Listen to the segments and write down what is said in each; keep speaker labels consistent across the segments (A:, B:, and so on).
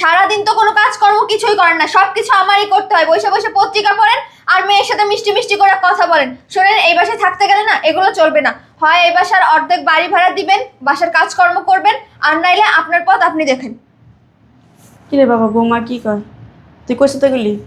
A: সারাদিন তো কোনো কাজকর্ম কিছুই করেন না, সবকিছু আমারই করতে হয়। বসে বসে পত্রিকা পড়েন আর মেয়ের সাথে মিষ্টি মিষ্টি করে কথা বলেন। শোনেন, এই বাসায় থাকতে গেলে না এগুলো চলবে না। হয় এই বাসার অর্ধেক বাড়ি ভাড়া দিবেন, বাসার কাজকর্ম করবেন, আর নাইলে আপনার পথ আপনি দেখেন।
B: কি রে বাবা, বৌমা কি কয়? তুই কইছে তো গেলি?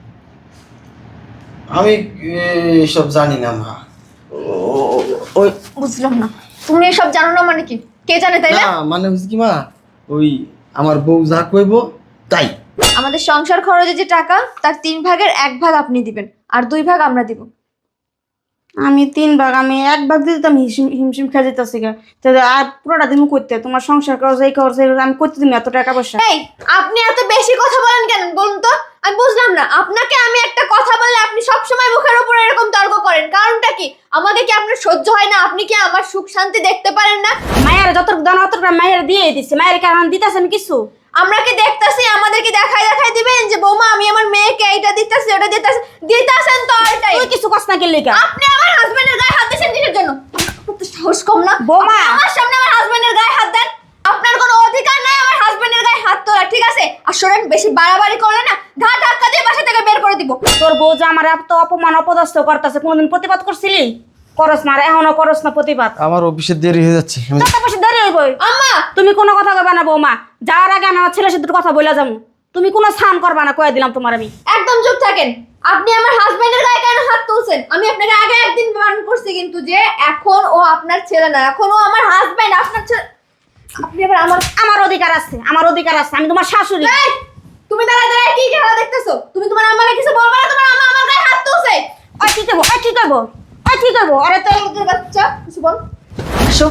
C: আমি এসব জানি না মা। ওই
A: বুঝলাম না, তুমি এসব জানো না মানে কি? কে জানে তাই না?
C: না মানে হচ্ছে কি মা, ওই আমার বউ যা কইব তাই।
A: আমাদের সংসার খরচে যে টাকা, তার 3 ভাগের 1 ভাগ আপনি দিবেন, আর 2 ভাগ আমরা দিব।
B: আমি 3 ভাগ, আমি 1 ভাগ দিতে তো আমি হিমশিম খেয়ে যেতেছি গা। তো আর পুরোটা দিন করতে তোমার সংসার খরচ এই খরচ আমি করতে দিন এত টাকা পয়সা।
A: এই, আপনি এত বেশি কথা বলেন কেন বলুন তো? আমি বুঝলাম না, আপনাকে আমি একটা কথা বললে আপনি সব সময় মুখের উপর এরকম তর্ক করেন, কারণটা কি? আমাকে কি আপনার সহ্য হয় না? আপনি কি আমার সুখ শান্তি দেখতে পারেন না?
B: মায়ের যত দান অত মায়ের দিয়ে দিচ্ছে, মায়ের কারণ দিতেছে আমি কিছু।
A: আমরা কি দেখতাছি? আমাদেরকে দেখাই দেখাই দিবেন যে বৌমা আমি আমার মেয়েকে এইটা দিতেছি ওটা দিতেছি, দিতাছেন তো অলটাই।
B: তুই কিছু কষ্ট না গেলে
A: আপনি আমার হাজবেন্ডের গায়ে হাত দিয়েছেন কিসের জন্য? আপনার তো সাহস কম না?
B: বৌমা!
A: আপনি আমার সামনে আমার হাজবেন্ডের গায়ে হাত দেন? আপনার কোনো অধিকার নাই আমার হাজবেন্ডের গায়ে হাত তোলা, ঠিক আছে? আর শোনেন, বেশি বাড়াবাড়ি করলে না ঘা ধাক্কা দিয়ে বাসা থেকে বের করে দিব।
B: তোর বউ যে আমার এত অপমান অপদস্থ করতেছে, কোনোদিন প্রতিবাদ করছিলি? করস না, আর এখনো করস না প্রতিবাদ।
C: আমার অফিসে দেরি হয়ে যাচ্ছে।
B: টাকা পয়সা দেরি হইবই।
A: আম্মা!
B: তুমি কোনো কথা কইবা না বৌমা, যাওয়ার আগে আমি আমার ছেলের সাথে কথা বলে যাবো। তুমি কোনো স্নান করবা না, কয়ে দিলাম তোমার আমি।
A: একদম চুপ থাকেন। আপনি আমার হাজবেন্ডের গায়ে কেন হাত তুলছেন? আমি আপনাকে আগে একদিন বারণ করছি কিন্তু, যে এখন ও আপনার ছেলে না, এখন ও আমার হাজবেন্ড, আপনার ছেলে। আপনি আবার
B: আমার অধিকার আছে, আমার অধিকার আছে, আমি তোমার শাশুড়ি।
A: এই, তুমি দাঁড়ায় দাঁড়ায় কি খেলা দেখতেছো? তুমি তোমার আম্মাকে কিছু বলবা না? তোমার আম্মা আমার গায়ে হাত তুলছে।
B: ওই কি করবো, ওই কি করবো, ওই কি করবো? আরে তো
A: তোর বাচ্চা কিছু বল। আসো।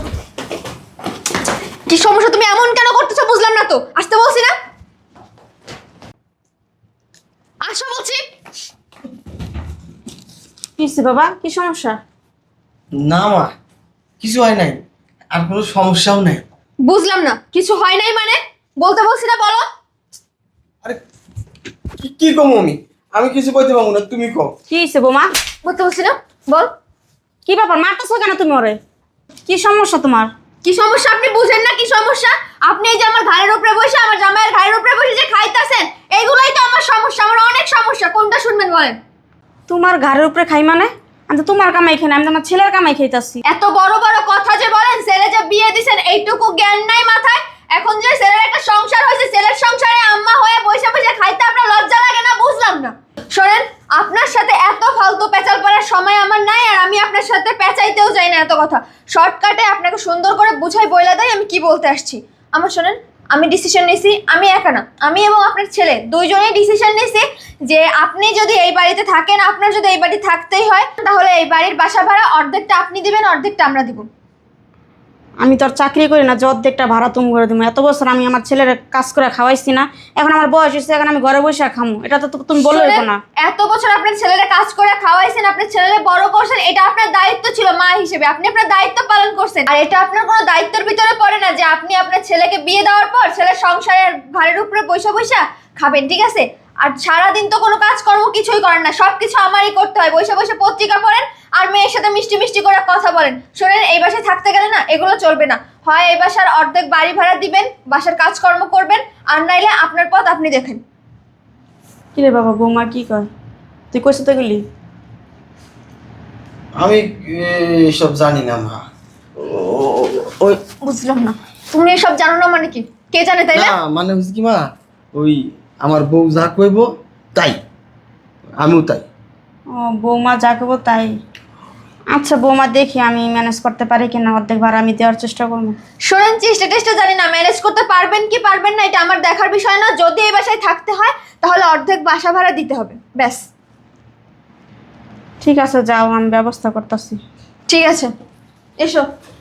A: কি সমস্যা? তুমি এমন কেন করতেছো বুঝলাম না তো। আসতে বলছি না? আসো বলছি।
B: কি হইছে বাবা, কি সমস্যা?
C: না মা, কিছু হয় নাই, আর কোনো সমস্যাও নাই।
A: বুঝলাম না, কিছু হয় নাই মানে? বলতে বলছি না, বলো।
C: আরে কি কম আমি কিছু কইতে পারবো না, তুমি কও।
B: কি হইছে বৌমা?
A: বলতে বলছি না, বল।
B: কি ব্যাপার, মারতেছো কেন তুমি ওরে? কি সমস্যা তোমার?
A: কি সমস্যা আপনি বুঝেন না? কি সমস্যা? আপনি এই যে আমার ঘাড়ের উপরে বসে, আমার জামাইয়ের ঘাড়ের উপরে বসে যে খাইতাছেন, এইগুলাই তো আমার সমস্যা। আমার অনেক সমস্যা, কোনটা শুনবেন বলেন?
B: তোমার ঘরের উপরে খাই মানে? আমি তো তোমার কামাই খাই না, আমি তো আমার ছেলের কামাই খাইতাছি।
A: এত বড় বড় কথা যে বলেন, ছেলে যে বিয়ে দিছেন এইটুকু জ্ঞান নাই মাথায়? এখন যে ছেলের একটা সংসার হয়েছে, ছেলের সংসারে আম্মা হয়ে বসে বসে খাইতে আপনার লজ্জা লাগে না? বুঝলাম না। শোনেন, আপনার সাথে এত ফালতু পেঁচাল পড়ার সময় আমার নাই, আর আমি আপনার সাথে পেঁচাইতেও চাই না এত কথা। শর্টকাটে আপনাকে সুন্দর করে বুঝাই বইলা দেয় আমি কি বলতে আসছি। আমার শোনেন, আমি ডিসিশন নিয়েছি, আমি একা না, আমি এবং আপনার ছেলে দুইজনেই ডিসিশন নিয়েছি যে আপনি যদি এই বাড়িতে থাকেন, আপনার যদি এই বাড়ি থাকতেই হয়, তাহলে এই বাড়ির বাসা ভাড়া অর্ধেকটা আপনি দিবেন, অর্ধেকটা আমরা দিব।
B: আমি তো আর চাকরি করি না যে অর্ধেকটা ভাড়া তুমি করে দেবো। এত বছর আমি আমার ছেলের কাজ করে খাওয়াইছি না, এখন আমার বয়স হয়েছে, এখন আমি ঘরে বসে খামো, এটা তো তুমি বললে
A: শোনেন,
B: না।
A: এত বছর আপনার ছেলেরা কাজ করে খাওয়াইছেন, আপনার ছেলেরা বড় করছেন, এটা আপনার দায়িত্ব ছিল মা হিসেবে, আপনি আপনার দায়িত্ব পালন করছেন। আর এটা আপনার কোনো দায়িত্বের ভিতরে পড়ে না যে আপনি আপনার ছেলেকে বিয়ে দেওয়ার পর ছেলের সংসারের ঘাড়ের উপরে বৈশা বৈশা খাবেন, ঠিক আছে? আর সারাদিন তো কোনো কাজকর্ম কিছুই করেন না, সবকিছু আমারই করতে হয়। বসে বসে পত্রিকা পড়েন আর মেয়ের সাথে মিষ্টি মিষ্টি করে কথা বলেন। শোনেন, এই বাসায় থাকতে গেলে না এগুলো চলবে না। হয় এই বাসার অর্ধেক বাড়ি ভাড়া দিবেন, বাসার কাজকর্ম করবেন, আর নাইলে আপনার পথ আপনি দেখেন।
B: কি রে বাবা, বৌমা কি কয়? তুই কইছে তো গেলি?
C: আমি এসব জানি না মা। ওই
A: বুঝলাম না, তুমি এসব জানো না মানে কি? কে জানে তাই না?
C: না মানে হচ্ছে কি মা, ওই আমার বউ যা কইব তাই, আমিও তাই।
B: ও, বৌমা যা করবো তাই। আচ্ছা বৌমা, দেখি আমি ম্যানেজ করতে পারি কিনা, অর্ধেক ভাড়া আমি দেওয়ার চেষ্টা করবো।
A: শোনেন, চেষ্টা টেস্টা জানি না, ম্যানেজ করতে পারবেন কি পারবেন না এটা আমার দেখার বিষয় না। যদি এই বাসায় থাকতে হয় তাহলে অর্ধেক বাসা ভাড়া দিতে হবে, ব্যাস।
B: ঠিক আছে, যাও, আমি ব্যবস্থা করতেছি।
A: ঠিক আছে, এসো।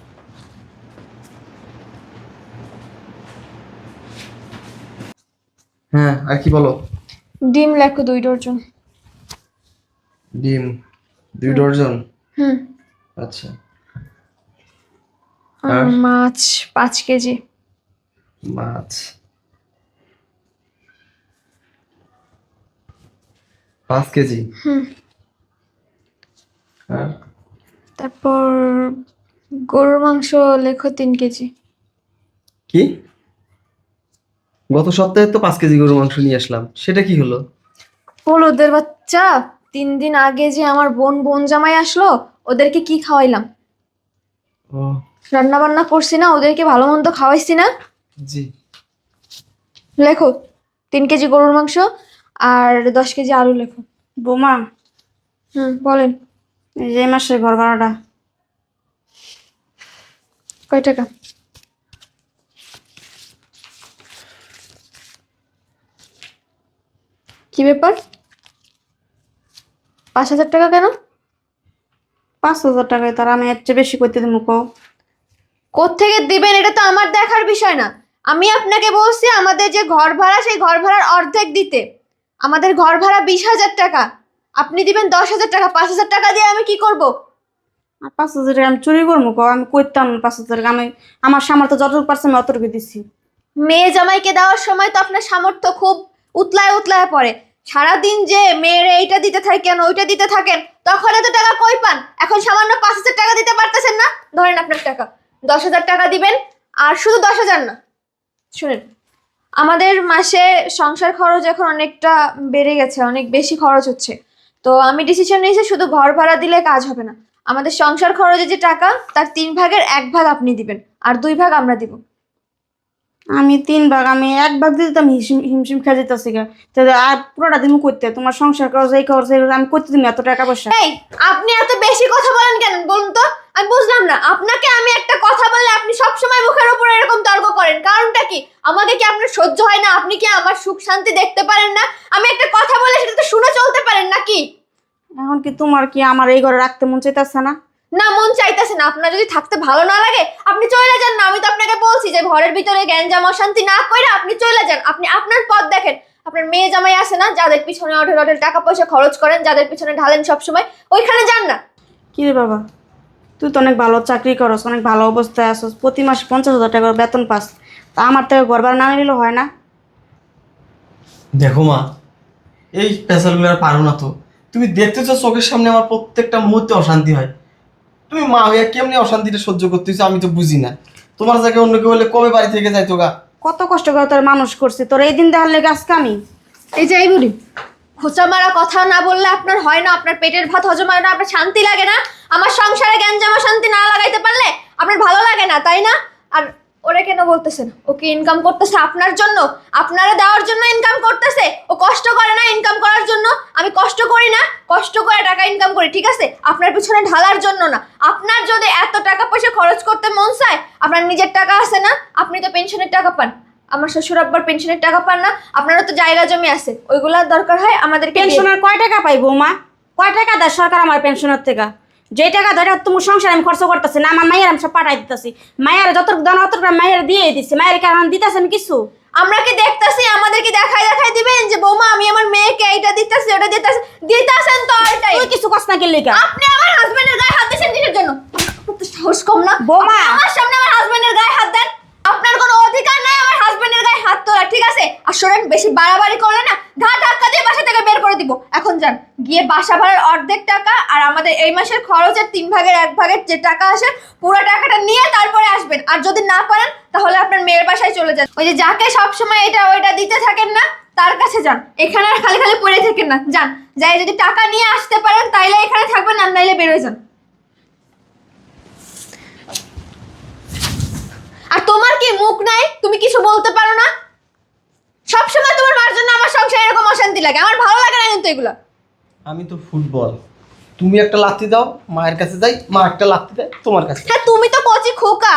C: হ্যাঁ, আর কি বলো?
A: ডিম লেখো 2 ডজন।
C: ডিম 2 ডজন?
A: হুম।
C: আচ্ছা।
A: আর মাছ 5 কেজি।
C: মাছ 5 কেজি?
A: হুম।
C: আর
A: তারপর গরুর মাংস লেখো 3 কেজি।
C: কি? গত সপ্তাহে তো 5 কেজি গরুর মাংস নিয়ে আসলাম, সেটা কি হলো?
A: হলুদের বাচ্চা, 3 দিন আগে যে আমার বোন জামাই আসলো, ওদেরকে কি খাওয়াইলাম?
C: ও
A: রান্না বান্না করছি না, ওদেরকে ভালো মন্দ খাওয়াইছি না।
C: জি।
A: লেখো 3 কেজি গরুর মাংস আর 10 কেজি আলু লেখো।
B: বৌমা,
A: বলেন।
B: এই যে এই মাসের ঘর ভাড়াটা।
A: কয় টাকা? কি ব্যাপার? 5,000 টাকা কেন?
B: 5,000 টাকায় তার আমি এর চেয়ে বেশি করতে দেবো কও?
A: কোত্থেকে দিবেন এটা তো আমার দেখার বিষয় না। আমি আপনাকে বলছি আমাদের যে ঘর ভাড়া, সেই ঘর ভাড়ার অর্ধেক দিতে। আমাদের ঘর ভাড়া 20,000 টাকা, আপনি দিবেন 10,000 টাকা। 5,000 টাকা দিয়ে আমি কি করব?
B: আর 5,000 টাকা আমি চুরি করবো কও? আমি করতাম না 5,000 টাকা। আমি আমার সামর্থ্য যতটুকু পারছি আমি অতটুকু দিচ্ছি।
A: মেয়ে জামাইকে দেওয়ার সময় তো আপনার সামর্থ্য খুব উতলায় উতলায় পড়ে। সারাদিন যে মেয়ের এইটা দিতে থাকেন ওইটা দিতে থাকেন, তখন এত টাকা কই পান? এখন সামান্য 5,000 টাকা দিতে পারতেছেন না, ধরেন আপনার টাকা 10,000 টাকা দিবেন। আর শুধু 10,000 না, শুনেন, আমাদের মাসে সংসার খরচ এখন অনেকটা বেড়ে গেছে, অনেক বেশি খরচ হচ্ছে। তো আমি ডিসিশন নিয়েছি শুধু ঘর ভাড়া দিলে কাজ হবে না। আমাদের সংসার খরচে যে টাকা, তার 3 ভাগের 1 ভাগ আপনি দিবেন, আর 2 ভাগ আমরা দিব।
B: আমি 3 ভাগ, আমি 1 ভাগ দিতে তো আমি হিমশিম খেয়ে যেতেছি গা। আর পুরোটা দিন করতে তোমার সংসার খরচ এই খরচ এই খরচ আমি করতে দিন এত টাকা পয়সা।
A: এই, আপনি এত বেশি কথা বলেন কেন বলুন তো? আমি বুঝলাম না, আপনাকে আমি একটা কথা বললে আপনি সব সময় মুখের উপর এরকম তর্ক করেন, কারণটা কি? আমাকে কি আপনার সহ্য হয় না? আপনি কি আমার সুখ শান্তি দেখতে পারেন না? আমি একটা কথা বলে সেটা তো শুনে চলতে পারেন নাকি?
B: এখন কি তোমার কি আমার এই ঘরে রাখতে মন চাইতেছে না?
A: না, মন চাইতেছে না। আপনার যদি থাকতে ভালো না লাগে আপনি চলে যান না। আমি তো আপনাকে বলছি যে ঘরের ভিতরে গ্যাঞ্জাম অশান্তি না কইরা আপনি চলে যান। আপনি আপনার পথ দেখেন। আপনার মেয়ে জামাই আছে না, যাদের পিছনে অঢেল অঢেল টাকা পয়সা খরচ করেন, যাদের পিছনে ঢালেন সবসময়, ওইখানে যান না।
B: কি রে বাবা, তুই তো অনেক ভালো চাকরি করস, অনেক ভালো অবস্থায় আসস, প্রতি মাসে 50,000 টাকা করে বেতন পাস, তা আমার থেকে ঘর ভাড়া না নিলে হয় না?
C: দেখো মা, এই পেশালগুলো আর পারো না তো। তুমি দেখতেছো চোখের সামনে আমার প্রত্যেকটা মুহূর্তে অশান্তি হয়। তুমি মা হইয়া কেমনি অশান্তিটা সহ্য করতেছো আমি তো বুঝি না। তোমার জায়গায় অন্য কেউ হলে কবে বাড়ি থেকে যাইতো গা।
B: কত কষ্ট করে তোর মানুষ করছি, তোর এই দিন দেখার লেগে আজকে আমি।
A: এই যে এই বলি, খোঁচা মারা কথা না বললে আপনার হয় না? আপনার পেটের ভাত হজম হয় না? আপনার শান্তি লাগে না? আমার সংসারে গ্যাঞ্জাম শান্তি না লাগাইতে পারলে আপনার ভালো লাগে না, তাই না? আর ওরে কেন বলতেছেন? ও কি ইনকাম করতেছে আপনার জন্য? আপনারা দেওয়ার জন্য ইনকাম করতেছে? ও কষ্ট করে না ইনকাম করার জন্য? আমি কষ্ট করি না? কষ্ট করে টাকা ইনকাম করি, ঠিক আছে? আপনার পিছনে ঢালার জন্য না। আপনার যদি এত টাকা পয়সা খরচ করতে মন চায়, আপনার নিজের টাকা আছে না? আপনি তো পেনশনের টাকা পান। আমার শ্বশুর আব্বার পেনশনের টাকা পান না? আপনারও তো জায়গা জমি আছে, ওইগুলার দরকার হয় আমাদেরকে দিয়ে।
B: পেনশনের কয় টাকা পাই বৌমা? কয় টাকা দেয় সরকার আমার পেনশনের থেকে? যে টাকা ধরে তোমার সংসারে আমি খরচ করতেছি না, আমার মায়ের আমি সব পাঠাই দিতেছি। মায়ের যতটুকু দান অতটুকু মায়ের দিয়ে দিচ্ছি। মায়ের কারণ দিতেছে আমি কিছু?
A: আমরা কি দেখতাছি? আমাদেরকে দেখাই দেখাই দিবেন যে বৌমা আমি আমার মেয়েকে এইটা দিতেছি ওটা দিতেছি? দিতেছেন তো অলটাই।
B: তুই কিছু কষ্ট না কি লেগা?
A: আপনি আমার হাজবেন্ডের গায়ে হাত দিয়েছেন কিসের জন্য? আপনার তো সাহস কম না?
B: বৌমা!
A: আপনি আমার সামনে আমার হাজবেন্ডের গায়ে হাত দেন? আপনার কোনো অধিকার নাই আমার হাজবেন্ডের গায়ে হাত তোলা, ঠিক আছে? আর শোনেন, বেশি বাড়াবাড়ি করলে না ঘা ধাক্কা দিয়ে বাসা থেকে বের করে দিব। এখন যান, গিয়ে বাসা ভাড়ার অর্ধেক টাকা আর আমাদের এই মাসের খরচের 3 ভাগের 1 ভাগের যে টাকা আসে পুরো টাকাটা নিয়ে তারপরে আসবেন। আর যদি না পারেন তাহলে আপনার মেয়ের বাসায় চলে যান। ওই যে যাকে সবসময় এটা ওইটা দিতে থাকেন না, তার কাছে যান। এখানে আর খালি খালি পড়ে থাকেন না, যান। যাই যদি টাকা নিয়ে আসতে পারেন তাইলে এখানে থাকবেন, আর নাইলে বের হয়ে যান। আর তোমার কি মুখ নাই? তুমি কিছু বলতে পারো না? সবসময় তোমার মার জন্য আমার সংসারে এরকম অশান্তি লাগে, আমার ভালো লাগে না কিন্তু এগুলো।
C: আমি তো ফুটবল, তুমি একটা লাথি দাও মায়ের কাছে যাই, মা একটা লাথি দেয় তোমার কাছে।
A: হ্যাঁ, তুমি তো কচি খোকা।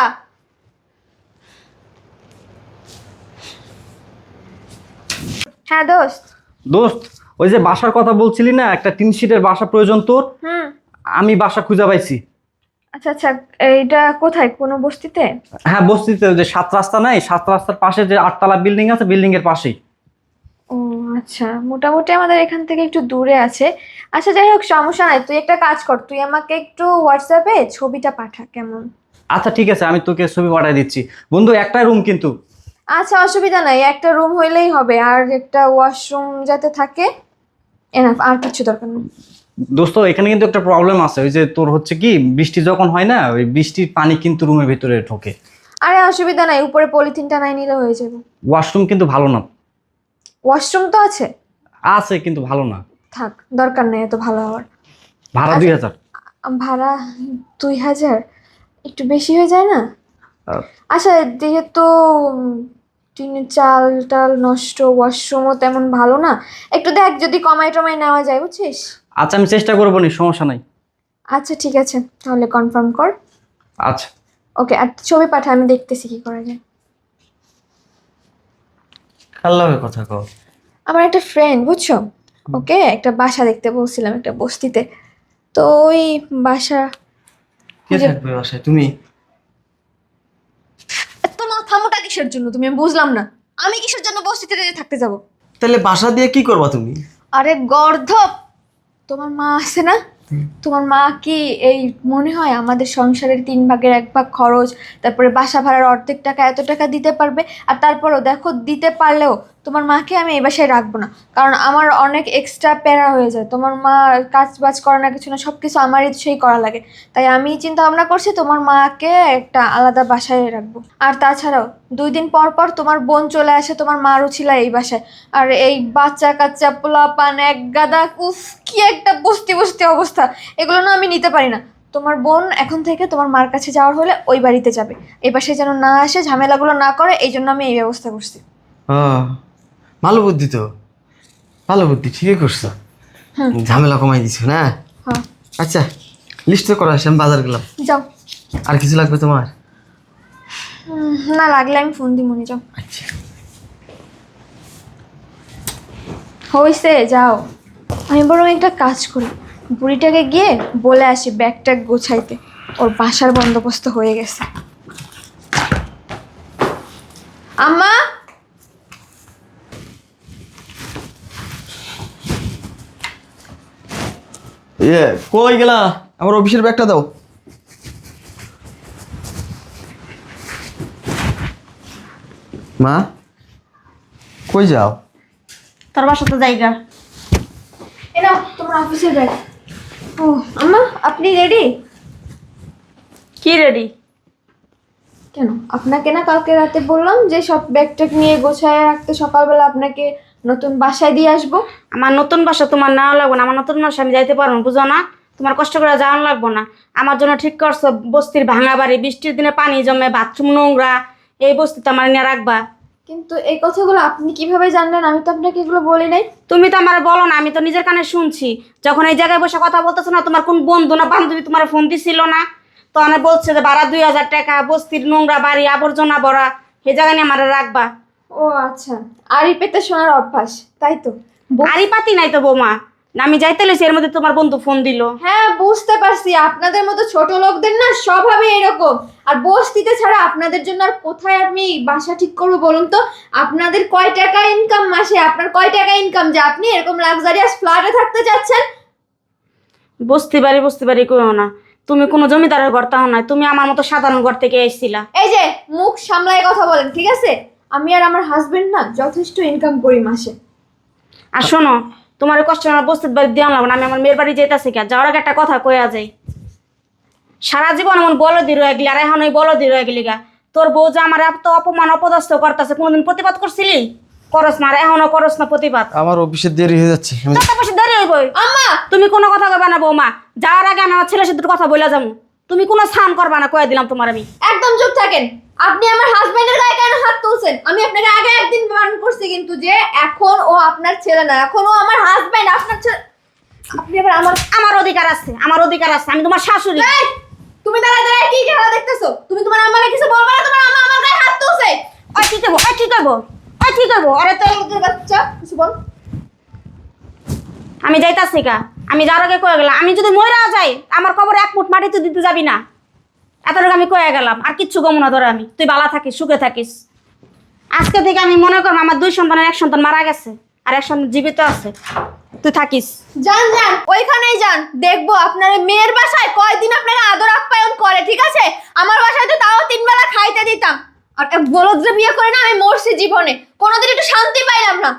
A: হ্যাঁ দোস্ত।
D: দোস্ত, ওই যে বাসার কথা বলছিলি না, একটা টিন শিটের বাসা প্রয়োজন তোর। আমি বাসা খুঁজে পাইছি।
A: আচ্ছা আচ্ছা, এইটা কোথায়? কোনো বস্তিতে?
D: হ্যাঁ, বস্তিতে। ওই যে 7 রাস্তা নাই, 7 রাস্তার পাশে যে 8 তলা বিল্ডিং আছে, বিল্ডিং এর পাশেই।
A: ও আচ্ছা, মোটামুটি আমাদের এখান থেকে একটু দূরে আছে। আচ্ছা যাই হোক, সমস্যা নাই। তুই একটা কাজ কর, তুই আমাকে একটু হোয়াটসঅ্যাপে ছবিটা পাঠা, কেমন?
D: আচ্ছা ঠিক আছে, আমি তোকে ছবি পাঠিয়ে দিচ্ছি। বন্ধু, একটাই রুম কিন্তু।
A: আচ্ছা, অসুবিধা নাই, একটা রুম হইলেই হবে, আর একটা ওয়াশরুম যাতে থাকে, এনাফ। আর কিছু দরকার নেই।
D: দোস্ত, এখানে কিন্তু একটা প্রবলেম আছে। ওই যে তোর হচ্ছে কি, বৃষ্টি যখন হয় না, ওই বৃষ্টির পানি কিন্তু রুমের ভিতরে ঢোকে।
A: আরে অসুবিধা নাই, উপরে পলিথিনটা নাই নিলে হয়ে যাবে।
D: ওয়াশরুম কিন্তু ভালো না।
A: ওয়াশরুম তো আছে।
D: আছে কিন্তু ভালো না।
A: থাক, দরকার নেই এত ভালো হওয়ার।
D: ভাড়া
A: আচ্ছা।
D: 2000।
A: ভাড়া 2000 একটু বেশি হয়ে যায় না? আচ্ছা, যেহেতু টিনের চাল টাল নষ্ট, ওয়াশরুমও তেমন ভালো না, একটু দেখ যদি কমাই টমাই নেওয়া যায়, বুঝছিস?
D: আচ্ছা আমি চেষ্টা করবো নি, সমস্যা নাই।
A: আচ্ছা ঠিক আছে, তাহলে কনফার্ম কর।
D: আচ্ছা
A: ওকে, আর ছবি পাঠা, আমি দেখতেছি কি করা যায়।
C: কার লগে কথা কও?
A: আমার একটা ফ্রেন্ড, বুঝছো, ওকে একটা বাসা দেখতে বলছিলাম একটা বস্তিতে। তো ওই বাসা
C: কে থাকবে বাসায়? তুমি?
A: এত মাথা মোটা কিসের জন্য তুমি, আমি বুঝলাম না। আমি কিসের জন্য বস্তিতে থাকতে যাব?
C: তাহলে বাসা দিয়ে কি করবা তুমি?
A: আরে গর্ধপ, তোমার মা আছে না? তোমার মা কি এই মনে হয় আমাদের সংসারের 3/1 খরচ, তারপরে বাসা ভাড়ার অর্ধেক টাকা, এত টাকা দিতে পারবে? আর তারপরও দেখো, দিতে পারলেও তোমার মাকে আমি এই বাসায় রাখবো না, কারণ আমার অনেক এক্সট্রা প্যারা হয়ে যায়। তোমার মা কাজ বাজ করে না, কিছু না, সব কিছু আমারই সেই করা লাগে। তাই আমি চিন্তা ভাবনা করছি তোমার মাকে একটা আলাদা বাসায় রাখবো। আর তাছাড়াও 2 দিন পর পর তোমার বোন চলে আসে, তোমার মারও ছিল এই বাসায়। আর এই বাচ্চা কাচ্চা পোলাপান এক গাদা, উফ কি একটা বস্তি বস্তি অবস্থা, এগুলো না আমি নিতে পারি না। তোমার বোন এখন থেকে তোমার মার কাছে যাওয়ার হলে ওই বাড়িতে যাবে, এই পাশে যেন না আসে, ঝামেলাগুলো না করে, এই জন্য আমি এই ব্যবস্থা করছি।
C: ভালো বুদ্ধি তো, ভালো বুদ্ধি, ঠিকই করছো। ঝামেলা কমাই দিছো না?
A: হ্যাঁ
C: আচ্ছা, লিস্ট তো করা আছে, আমি বাজার গেলাম।
A: যাও।
C: আর কিছু লাগবে তোমার?
A: না লাগলে আমি ফোন দিই, মনে যাও।
C: আচ্ছা।
A: হইছে, যাও। আমি বরং একটা কাজ করি, বুড়িটাকে গিয়ে বলে আসি ব্যাগ ট্যাগ গোছাইতে, ওর বাসার বন্দোবস্ত হয়ে গেছে। আম্মা,
C: কই গেলা? আমার অফিসের ব্যাগটা দাও। মা, কই যাও?
B: তোর বাসাতে জায়গা।
A: এ নাও তোমার অফিসের ব্যাগ। ও আম্মা, আপনি রেডি?
B: কি রেডি?
A: কেন, আপনাকে না কালকে রাতে বললাম যে সব ব্যাগ ট্যাগ নিয়ে গোছায় রাখতে, সকালবেলা আপনাকে নতুন বাসায় দিয়ে আসবো।
B: আমার নতুন বাসা তোমার নেওয়া লাগবো না, আমার নতুন বাসা আমি যাইতে পারবো না, বুঝো না? তোমার কষ্ট করে যাওয়ানো লাগবো না। আমার জন্য ঠিক করছো বস্তির ভাঙা বাড়ি, বৃষ্টির দিনে পানি জমে, বাথরুম নোংরা, এই বস্তিতে আমার নিয়ে রাখবা?
A: কিন্তু এই কথাগুলো আপনি কিভাবে জানলেন? আমি তো আপনাকে এগুলো বলি নাই।
B: তুমি তো আমার বলো না, আমি তো নিজের কানে শুনছি। যখন এই জায়গায় বসে কথা বলতেছো না, তোমার কোন বন্ধু না বান্ধবী তোমার ফোন দিছিল না? তো অনেক বলছে যে ভাড়া 2000 টাকা, বস্তির নোংরা বাড়ি, আবর্জনা ভরা, এই জায়গা নিয়ে আমার রাখবা।
A: ও আচ্ছা, আড়ি পেতে শোনার অভ্যাস, তাই তো?
B: আরই পাতি নাই তো বৌমা, না আমি যাইতে লইছি, এর মধ্যে তোমার বন্ধু ফোন দিল।
A: হ্যাঁ বুঝতে পারছি, আপনাদের মতো ছোট লোকদের না স্বভাবে এরকম। আর বস্তিতে ছাড়া আপনাদের জন্য আর কোথায় আপনি বাসা ঠিক করবো বলুন তো? আপনাদের কয় টাকা ইনকাম মাসে? আপনার কয় টাকা ইনকাম যে আপনি এরকম লাক্সারিয়াস ফ্ল্যাটে থাকতে যাচ্ছেন?
B: বস্তি বাড়ি কইও না, তুমি কোনো জমিদারের ঘর তাও নাই, তুমি আমার মতো সাধারণ ঘর থেকে এসেছিলা।
A: এই যে মুখ সামলায় কথা বলেন, ঠিক আছে? আমি আর আমার হাজবেন্ড না যথেষ্ট ইনকাম করি মাসে।
B: আর শোনো, তোমার কষ্ট আমার বস্তির বাড়ি দেওয়া লাগবে না, আমি আমার মেয়ের বাড়ি যেতেছি। কে যাওয়ার আগে একটা কথা কইয়া যাই, সারা জীবন এমন বলদি রয়ে গেলি, আর এখন ওই বলদি রয়ে গেলি গা। তোর বউ যে আমার এত অপমান অপদস্থ করতেছে, কোনোদিন প্রতিবাদ করছিলি? করস না, আর এখনো করস না প্রতিবাদ।
C: আমার অফিসে দেরি হয়ে যাচ্ছে।
B: টাকা পয়সা দেরি হইবই।
A: আম্মা,
B: তুমি কোনো কথা কইবা না বৌমা, যাওয়ার আগে আমি আমার ছেলের সাথে কথা বইলা যাবো। তুমি কোনো স্নান করবা না, কয়ে দিলাম তোমার আমি।
A: একদম চুপ থাকেন। আপনি আমার হাজবেন্ডের গায়ে কেন হাত তুলছেন? আমি আপনাকে আগে একদিন বারণ করছি কিন্তু, যে এখন ও আপনার ছেলে না, এখন ও আমার হাজবেন্ড, আপনার ছেলে। আপনি আবার
B: আমার অধিকার আছে, আমার অধিকার আছে, আমি তোমার শাশুড়ি।
A: এই, তুমি দাঁড়ায় দাঁড়ায় কি খেলা দেখতেছো? তুমি তোমার আম্মাকে কিছু বলবে না? তোমার আম্মা আমার গায়ে হাত তুলছে।
B: ওই কি করবো, ওই কি করবো, ওই কি করবো? আরে তো
A: তোর বাচ্চা কিছু বল।
B: আমি যাইতাছি কা, আমি যাওয়ার আগে কয়ে গেলাম, আমি যদি মইরা যাই আমার কবরে 1 ফুট মাটি তুই দিতে যাবি না। এতটুকু আমি কয়ে গেলাম, আর কিচ্ছু গমু না ধরে আমি। তুই ভালো থাকিস, সুখে থাকিস। আজকে থেকে আমি মনে করবো আমার 2 সন্তানের 1 সন্তান মারা গেছে, আর 1 সন্তান জীবিত আছে। তুই থাকিস।
A: যান যান, ওইখানেই যান, দেখবো আপনার ওই মেয়ের বাসায় কয়দিন আপনাকে আদর আপ্যায়ন করে, ঠিক আছে? আমার বাসায় তো তাও 3 বেলা খাইতে দিতাম। আর এক বলদরে বিয়ে করে না আমি মরছি জীবনে, কোনোদিন একটু শান্তি পাইলাম না।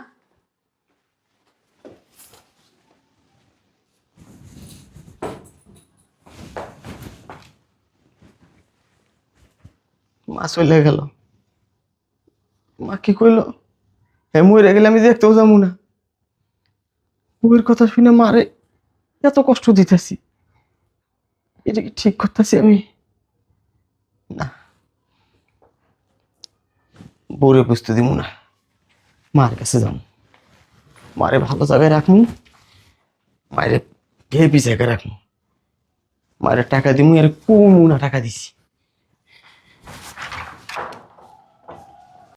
C: মা চলে গেল। মা কি কইল, হে মরে গেলে আমি দেখতেও যাবো না। বউয়ের কথা শুনে মারে এত কষ্ট দিতেছি, এটা কি ঠিক করতেছি আমি? না, বউরে বুঝতে দিব না, মার কাছে যাবো, মারে ভালো জায়গায় রাখবো, মায়ের হেপি জায়গায় রাখবো, মায়ের টাকা দিব, আর কোন টাকা দিছি।